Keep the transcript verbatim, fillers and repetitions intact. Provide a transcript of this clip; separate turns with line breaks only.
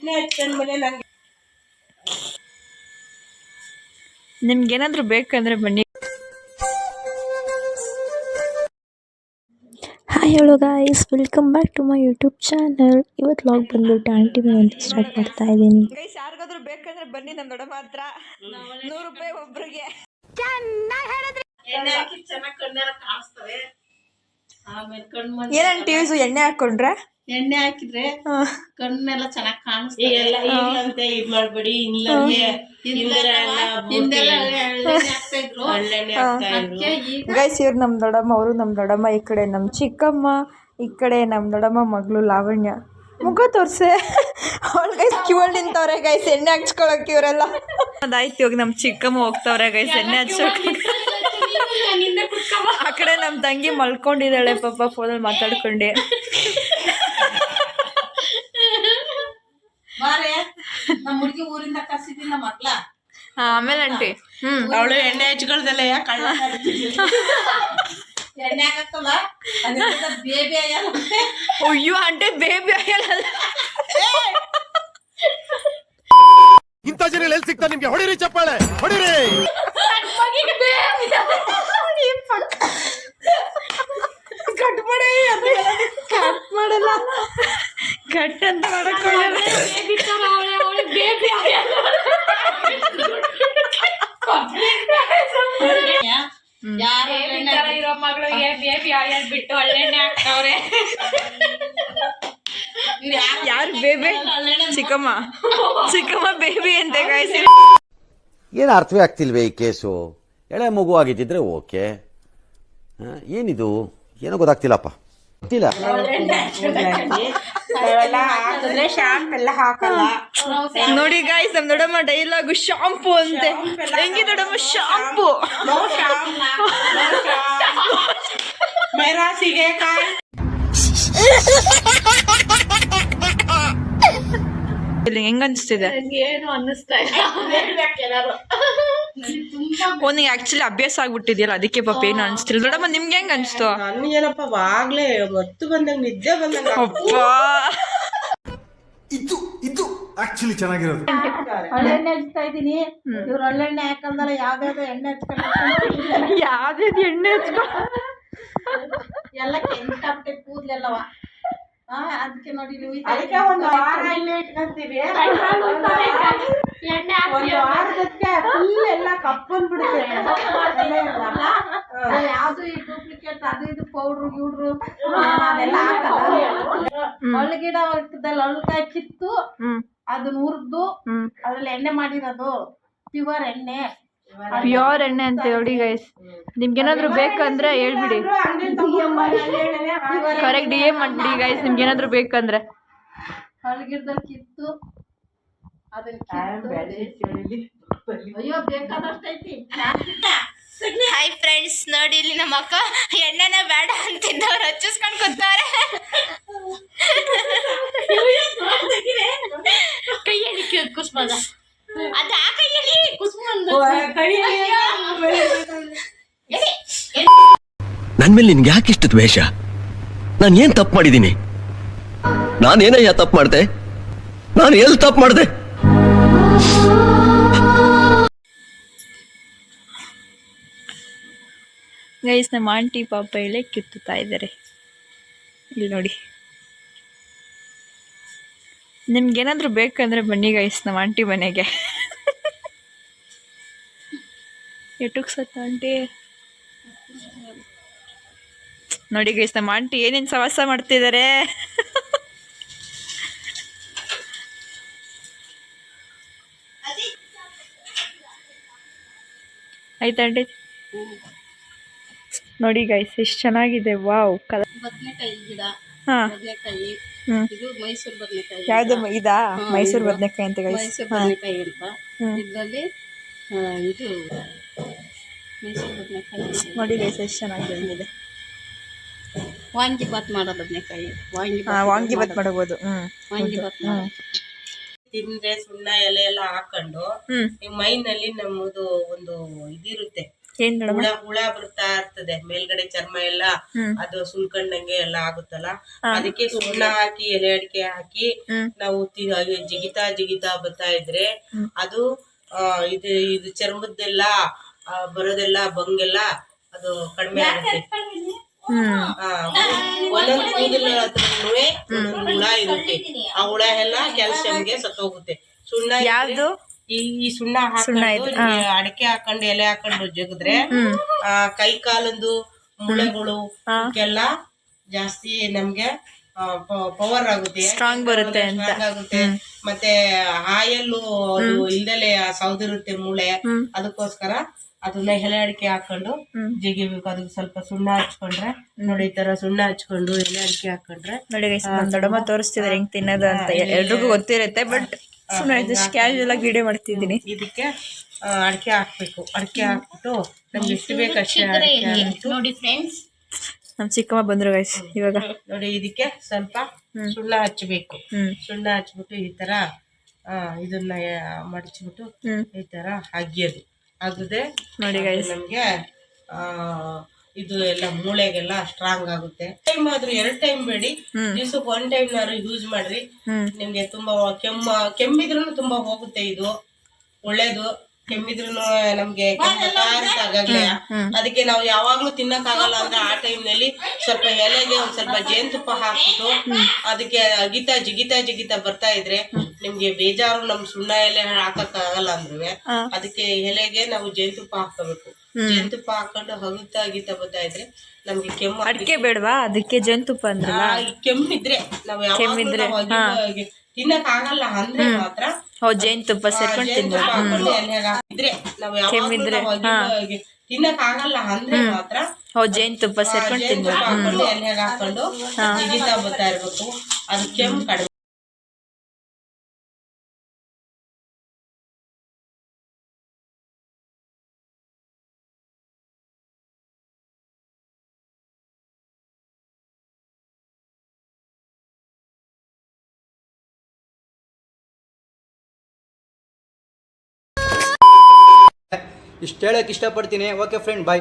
ಎಣ್ಣೆ ಹಚ್ಕೊಂಡ್ಮೇಲೆ ನಂಗೆ
ನಿಮ್ಗೇನಾದ್ರೂ ಬೇಕಂದ್ರೆ ಬನ್ನಿ. Hi hello guys, welcome back to my YouTube channel. ಇವತ್ತು ವ್ಲಾಗ್ ಬಂದ್ಬಿಟ್ಟು ಆಂಟಿ ಮನೆ ಅಂತ ಸ್ಟಾರ್ಟ್ ಮಾಡ್ತಾ ಇದ್ದೀನಿ. ಗೈಸ್ ಯಾರಿಗಾದ್ರೂ ಬೇಕಂದ್ರೆ ಬನ್ನಿ, ನಮ್ಮ ದೊಡ್ಡಮ್ಮ ಹತ್ರ ನೂರು ರೂಪಾಯಿ ಒಬ್ರಿಗೆ.
ಎಣ್ಣೆ ಹಾಕಿ ಚೆನ್ನಾಗಿ ಕಣ್ಣೆಲ್ಲ ಕಾಣಿಸ್ತವೆ. ಆಮೇಲೆ ಕಣ್ಣು
ಏನಂತ ಯೂಸು ಎಣ್ಣೆ ಹಾಕೊಂಡ್ರೆ
ಎಣ್ಣೆ ಹಾಕಿದ್ರೆ ಕಣ್ಣೆಲ್ಲ ಚೆನ್ನಾಗಿ ಕಾಣಿಸ್ತವೆ. ಎಲ್ಲ ಈಗಂತೆ ಇದು ಮಾಡಬೇಡಿ, ಇಲ್ಲಂತೆ ಹಿಂದೆಲ್ಲ ಹಾಕ್ತಾ ಇದ್ರು.
ಗೈಸ್ ಇವ್ರು ನಮ್ಮ ದೊಡ್ಡಮ್ಮ, ಅವರು ನಮ್ಮ ದೊಡ್ಡಮ್ಮ. ಈ ಕಡೆ ನಮ್ಮ ಚಿಕ್ಕಮ್ಮ, ಈ ಕಡೆ ನಮ್ಮ ದೊಡ್ಡಮ್ಮ ಮಗಳು ಲಾವಣ್ಯ. ಮುಖ ತೋರ್ಸೆ ಅವಳು ಗೈಸ್ ಕಿವಳ್ ನಿಂತವ್ರೆ ಗೈಸ್ ಎಣ್ಣೆ ಹಚ್ಕೊಳಕ್ಕೆ. ಇವರೆಲ್ಲ ಅದಾಯ್ತು. ಇವಾಗ ನಮ್ಮ ಚಿಕ್ಕಮ್ಮ ಹೋಗ್ತವ್ರೆ ಗೈಸ್ ಎಣ್ಣೆ ಹಚ್ಕೊಳಕ್ಕೆ. ಆ ಕಡೆ ನಮ್ಮ ತಂಗಿ ಮಲ್ಕೊಂಡಿದ್ದಾಳೆ ಪಾಪ, ಫೋನಲ್ಲಿ ಮಾತಾಡ್ಕೊಂಡೆ.
ಊರಿಂದ ಕರ್ಸಿದ್ದಿಲ್ಲ ಮಕ್ಳ.
ಆಮೇಲೆ ಆಂಟಿ ಹ್ಮ್
ಅವಳು ಎಣ್ಣೆ ಹಚ್ಕೊಳ್ದಲ್ಲ ಕಳ್ಳ ಎಣ್ಣೆ ಹಾಕಲ್ಲ ಬೇಬಿ ಅಯ್ಯಲ್ಲ.
ಅಯ್ಯೋ ಆಂಟಿ ಬೇಬಿ ಅಯ್ಯಲ್ಲ.
ಇಂಥ ಜನ ಎಲ್ಲಿ ಸಿಗ್ತಾರೆ ನಿಮ್ಗೆ? ಹೊಡಿರಿ ಚಪ್ಪಾಳೆ, ಹೊಡಿರಿ.
ಕಟ್ ಮಾಡಿ ಕಟ್ ಮಾಡಲ್ಲ, ಕಟ್ ಅಂತ ಮಾಡಕ್
ಇರೋ ಮಗಳಿಗೆ ಬೇಬಿ ಆಯಲ್ ಬಿಟ್ಟು ಒಳ್ಳೆಣ್ಣೆ ಹಾಕ್ತವ್ರೆ.
ಯಾರು ಬೇಬಿ? ಚಿಕ್ಕಮ್ಮ ಚಿಕ್ಕಮ್ಮ ಬೇಬಿ ಅಂತೆ ಗಾಯ್ಸಿ.
ಏನು ಅರ್ಥವೇ ಆಗ್ತಿಲ್ವೇ ಈ ಕೇಸು? ಎಳೆ ಮಗು ಆಗಿದ್ದಿದ್ರೆ ಓಕೆ, ಏನಿದು ಏನೋ ಗೊತ್ತಾಗ್ತಿಲ್ಲಪ್ಪ, ಗೊತ್ತಿಲ್ಲ.
ನೋಡಿ ಗಾಯ್ಸ್, ನಮ್ ದೊಡ್ಡಮ್ಮ ಡೈಲಾಗು ಶಾಂಪು ಅಂತೆ. ಹೆಂಗಿ ದೊಡ್ಡಮ್ಮ ಶಾಂಪು? ಹೆಂಗ ಅನ್ಸ್ತಿದೆ?
ಏನು ಅನ್ನಿಸ್ತಾ ಇಲ್ಲ.
ನಿಂಗೆ ಆಕ್ಚುಲಿ ಅಭ್ಯಾಸ ಆಗ್ಬಿಟ್ಟಿದ್ಯಲ್ಲ, ಅದಕ್ಕೆ ಪಾಪ ಏನು ಅನ್ಸ್ತಿಲ್ಲ. ದೊಡ್ಡಮ್ಮ ನಿಮ್ಗೆ ಹೆಂಗ್ ಅನ್ಸ್ತು?
ನನ್ಗೇನಪ್ಪ ವಾಗ್ಲೇ ಮತ್ತು ಬಂದಂಗ ನಿದ್ದೆ ಬಂದಂಗ.
ಅಪ್ಪ
ಇದು ಇದು ಆಕ್ಚುಲಿ ಚೆನ್ನಾಗಿರೋದು.
ಒಳ್ಳೆಣ್ಣೆ ಹಚ್ತಾ ಇದೀನಿ. ಇವ್ರು ಒಳ್ಳೆಣ್ಣೆ ಹಾಕಂದಲ್ಲ, ಯಾವ್ದಾವ್ದು ಎಣ್ಣೆ ಹಚ್ಕೊಂಡು
ಯಾವ್ದು ಎಣ್ಣೆ ಹಚ್ಕೊಂಡು
ಎಲ್ಲ ಕೆಂಪಾಗ್ಬಿಟ್ಟೆ ಕೂದ್ಲೆಲ್ಲವ. ಅದಕ್ಕೆ ನೋಡಿ ಅದಕ್ಕೆ ಒಂದು ವಾರ ಎಣ್ಣೆ ಇಟ್ಕೊಂತೀವಿ. ಒಂದು ವಾರದಕ್ಕೆ ಫುಲ್ ಎಲ್ಲ ಕಪ್ಪಂದ್ಬಿಡುತ್ತೆ. ಯಾವ್ದು ಈ ಡೂಪ್ಲಿಕೇಟ್ ಅದು ಇದು ಪೌಡ್ರು ಗಿಡ್ರು ಅದೆಲ್ಲ ಹಾಕಲ್ಲ. ಒಳಗಿಡ ವರ್ಗದಲ್ಲಿ ಒಳಕಾಯಿ ಕಿತ್ತು ಅದನ್ನ ಹುರಿದು ಅದ್ರಲ್ಲಿ ಎಣ್ಣೆ ಮಾಡಿರೋದು ಪ್ಯೂರ್ ಎಣ್ಣೆ.
ಪ್ಯೂರ್ ಎಣ್ಣೆ ಅಂತ ನೋಡಿ ಗೈಸ್. ನಿಮ್ಗೇನಾದ್ರು ಬೇಕಂದ್ರೆ ಹೇಳ್ಬಿಡಿ, ಕರೆಕ್ಟ್ ಡಿ ಎಂ ಮಾಡ್ಬಿಡಿ ಗೈಸ್, ನಿಮ್ಗೇನಾದ್ರು ಬೇಕಂದ್ರೆ.
ಒಳಗಿಡದಲ್ಲಿ ಕಿತ್ತು ಅದನ್ನ ಅಯ್ಯೋ ಬೇಕಾದಷ್ಟೈತಿ.
ಹಾಯ್ ಫ್ರೆಂಡ್ಸ್, ನೋಡಿ ಇಲ್ಲಿ ನಮ್ಮ ಅಕ್ಕ ಎಣ್ಣೆನ ಬೇಡ ಅಂತಿದ್ದವ್ರು ಹಚ್ಚಿಸ್ಕೊಂಡು ಕೂತಾರೆ. ಕೈ ಎಳಿಕೆ ಕುಸ್ಮದ ಅದ ಆ ಕೈ ಎಳಿ ಕುಸ್ಮಂದು
ನನ್ ಮೇಲೆ ನಿನ್ಗೆ ಯಾಕೆ ಇಷ್ಟ ದ್ವೇಷ? ನಾನು ಏನ್ ತಪ್ಪು ಮಾಡಿದ್ದೀನಿ? ನಾನೇನಯ್ಯ ತಪ್ಪು ಮಾಡ್ದೆ? ನಾನು ಎಲ್ಲಿ ತಪ್ಪು ಮಾಡ್ದೆ?
ಗೈಸ್ ನಮ್ಮ ಆಂಟಿ ಪಾಪ ಎಳೆ ಕಿತ್ತುತ್ತಾ ಇದ್ದಾರೆ. ಇಲ್ಲಿ ನೋಡಿ, ನಿಮ್ಗೇನಾದ್ರೂ ಬೇಕಂದ್ರೆ ಬನ್ನಿ ಗೈಸ್ ನಮ್ಮ ಆಂಟಿ ಮನೆಗೆ. ಎಟುಕ್ ಸತ್ತ ಆಂಟಿ ನೋಡಿ ಗೈಸ್, ನಮ್ಮ ಆಂಟಿ ಏನೇನು ಸವಾಸ ಮಾಡ್ತಿದ್ದಾರೆ. ಆಯ್ತಾ ಆಂಟಿ? ನೋಡಿ ಗೈಸ್ ಎಷ್ಟು ಚೆನ್ನಾಗಿದೆ. Wow colour.
ಬದನೆಕಾಯಿ ಗಿಡ,
ಹಾ
ಬದನೆಕಾಯಿ. ಇದು ಮೈಸೂರು ಬದನೆಕಾಯಿ.
ಯಾವ್ದು ಇದಾ? ಮೈಸೂರು ಬದನೆಕಾಯಿ ಅಂತ ಗೈಸ್.
ಮೈಸೂರು ಬದನೆಕಾಯಿ ಅಂತ. ಇದರಲ್ಲಿ ಇದು ಮೈಸೂರು ಬದನೆಕಾಯಿ
ನೋಡಿ ಗೈಸ್ ಎಷ್ಟು ಚೆನ್ನಾಗಿದೆ.
ವಾಂಗಿ ಬಾತ್ ಮಾಡೋ ಬದನೆಕಾಯಿ. ವಾಂಗಿ
ವಾಂಗಿ ಬಾತ್ ಮಾಡಬಹುದು. ಹ್ಮ್
ವಾಂಗಿ ಬಾತ್ ತಿಂದ್ರೆ ಸುಣ್ಣ ಎಲೆ ಎಲ್ಲ ಹಾಕೊಂಡು ಮೈನಲ್ಲಿ ನಮ್ಮದು ಒಂದು ಇದಿರುತ್ತೆ,
ಏನ್ ದೊಡಮ್ಮ?
ಹುಳ ಹುಳ ಬರ್ತಾ ಇರ್ತದೆ ಮೇಲ್ಗಡೆ ಚರ್ಮ ಎಲ್ಲ ಅದು ಸುಲ್ಕೊಂಡಂಗೆ ಎಲ್ಲ ಆಗುತ್ತಲ್ಲ, ಅದಕ್ಕೆ ಸುಣ್ಣ ಹಾಕಿ ಎಲೆ ಅಡಿಕೆ ಹಾಕಿ ನಾವು ತಿ- ಹಾಗೆ ಜಿಗಿತಾ ಜಿಗಿತಾ ಬರ್ತಾ ಇದ್ರೆ ಅದು ಆ ಇದು ಇದು ಚರ್ಮದ್ದೆಲ್ಲ ಆ, ಬರೋದೆಲ್ಲ ಬಂಗೆಲ್ಲ ಅದು ಕಡಿಮೆ ಆಗುತ್ತೆ. ಆ, ಒಂದೊಂದ್ ಕೂದಲ ಹತ್ರನೂ ಒಂದೊಂದು ಹುಳ ಇರುತ್ತೆ, ಆ ಹುಳ ಎಲ್ಲ ಕ್ಯಾಲ್ಸಿಯಂಗೆ ಸತ್ತೋಗುತ್ತೆ. ಸುಣ್ಣ ಇದ್ರೆ-
ಯಾವ್ದು?
ಈ ಈ ಸುಣ್ಣ ಹಾಕೊಂಡು ಅಡಿಕೆ ಹಾಕೊಂಡು ಎಲೆ ಹಾಕೊಂಡು ಜಗದ್ರೆ ಆ ಕೈ ಕಾಲಂದು ಮುಳೆಗಳು ಎಲ್ಲ ಜಾಸ್ತಿ ನಮ್ಗೆ ಪವರ್ ಆಗುತ್ತೆ,
ಸ್ಟ್ರಾಂಗ್ ಬರುತ್ತೆ ಅಂತ.
ಸ್ಟ್ರಾಂಗ್ ಆಗುತ್ತೆ. ಮತ್ತೆ ಆಯಲ್ಲು ಅದು ಇಲ್ದಲೆ ಸೌದಿರುತ್ತೆ ಮೂಳೆ, ಅದಕ್ಕೋಸ್ಕರ ಅದನ್ನ ಎಲೆ ಅಡಿಕೆ ಹಾಕೊಂಡು ಜಿಗಿಬೇಕು. ಅದಕ್ಕೆ ಸ್ವಲ್ಪ ಸುಣ್ಣ ಹಚ್ಕೊಂಡ್ರೆ ನೋಡಿ, ಈ ತರ ಸುಣ್ಣ ಹಚ್ಕೊಂಡು ಎಲೆ ಅಡಿಕೆ ಹಾಕೊಂಡ್ರೆ
ನೋಡಿ ಗೈಸ್, ನಮ್ ದೊಡ್ಡಮ್ಮ ತೋರಿಸ್ತಿದಾರೆ ಹೆಂಗ್ ತಿನ್ನೋದು ಅಂತ. ಎಲ್ರಿಗೂ ಗೊತ್ತಿರುತ್ತೆ, ಬಟ್ ಸುಮ್ಮನೆ ಜಸ್ಟ್ ಕ್ಯಾಶುಯಲ್ ಆಗಿ ವಿಡಿಯೋ ಮಾಡ್ತಿದ್ದೀನಿ.
ಇದಕ್ಕೆ ಅಡಿಕೆ ಹಾಕ್ಬೇಕು. ಅಡಿಕೆ ಹಾಕ್ಬಿಟ್ಟು ನಮ್ಗೆ ಎಷ್ಟು ಬೇಕು ಅಷ್ಟೇ ಅಡಿಕೆ ಹಾಕ್ಬಿಟ್ಟು
ನೋಡಿ ಫ್ರೆಂಡ್ಸ್,
ನಮ್ ಚಿಕ್ಕಮ್ಮ ಬಂದ್ರು ಗೈಸ್ ಇವಾಗ.
ನೋಡಿ ಇದಕ್ಕೆ ಸ್ವಲ್ಪ ಸುಣ್ಣ ಹಚ್ಚಬೇಕು. ಸುಣ್ಣ ಹಚ್ಬಿಟ್ಟು ಈ ತರ ಆ ಇದನ್ನ ಮಡಚ್ಬಿಟ್ಟು ಈ ತರ ಅಗಿಯೋದು. ಅಗದೆ
ನೋಡಿ ಗೈಸ್,
ನಮ್ಗೆ ಆ ಇದು ಎಲ್ಲ ಮೂಳೆಗೆಲ್ಲ ಸ್ಟ್ರಾಂಗ್ ಆಗುತ್ತೆ. ಟೈಮ್ ಆದ್ರೂ ಎರಡ್ ಟೈಮ್ ಬೇಡಿ, ದಿವ್ಸಕ್ಕೆ ಒನ್ ಟೈಮ್ ನಾರು ಯೂಸ್ ಮಾಡ್ರಿ. ನಿಮ್ಗೆ ತುಂಬಾ ಕೆಮ್ಮ ಕೆಮ್ಮಿದ್ರು ತುಂಬಾ ಹೋಗುತ್ತೆ. ಇದು ಒಳ್ಳೇದು. ಕೆಮ್ಮಿದ್ರು ನಮ್ಗೆ ಆಗಾಗ್ಲೇ ಅದಕ್ಕೆ ನಾವು ಯಾವಾಗ್ಲೂ ತಿನ್ನಕ್ ಆಗಲ್ಲ ಅಂದ್ರೆ ಆ ಟೈಮ್ ನಲ್ಲಿ ಸ್ವಲ್ಪ ಎಲೆಗೆ ಒಂದ್ ಸ್ವಲ್ಪ ಜೇನುತುಪ್ಪ ಹಾಕ್ಬಿಟ್ಟು ಅದಕ್ಕೆ ಅಗಿತಾ ಜಿಗಿತಾ ಜಿಗಿತಾ ಬರ್ತಾ ಇದ್ರೆ ನಿಮ್ಗೆ ಬೇಜಾರು ನಮ್ ಸುಣ್ಣ ಎಲೆ ಹಾಕಕ್ ಆಗಲ್ಲ ಅಂದ್ರೆ ಅದಕ್ಕೆ ಎಲೆಗೆ ನಾವು ಜೇನುತುಪ್ಪ ಹಾಕೋಬೇಕು. ಜೇನುತುಪ್ಪ ಹಾಕೊಂಡು ಹಗುತ್ತಾ ಅಗಿತಾ ಬರ್ತಾ ಇದ್ರೆ ನಮ್ಗೆ ಕೆಮ್ಮು.
ಅಡಿಕೆ ಬೇಡವಾ ಅದಕ್ಕೆ ಜೇನುತುಪ್ಪ ಅಂದ್ರಲ್ಲ?
ಕೆಮ್ಮಿದ್ರೆ ನಾವು ಯಾವಾಗ್ಲೂ ತಿನ್ನಕ್ ಆಗಲ್ಲ ಅಂದ್ರೆ ಮಾತ್ರ
ಜೇನುತುಪ್ಪ ಸೇರ್ಕೊಂಡು ತಿನ್ಬೇಕು.
ಇದ್ರೆ ನಾವು ಯಾವಾಗ್ಲೂ ತಿನ್ನಕ್ ಆಗಲ್ಲ ಅಂದ್ರೆ ಮಾತ್ರ
ಜೇನುತುಪ್ಪ ಸೇರ್ಕೊಂಡು
ಜೇನುತುಪ್ಪ
ತಿನ್ಬೇಕು.
ಹಾಕೊಂಡು ಎಣ್ಣೆಗೆ ಹಾಕೊಂಡು ಜಿಗಿತಾ ಬರ್ತಾ ಇರ್ಬೇಕು. ಅದು ಕೆಮ್ಮು ಕಡಿಮೆ.
ಇಷ್ಟು ಹೇಳಕ್ಕೆ ಇಷ್ಟಪಡ್ತೀನಿ. ಓಕೆ ಫ್ರೆಂಡ್, ಬಾಯ್.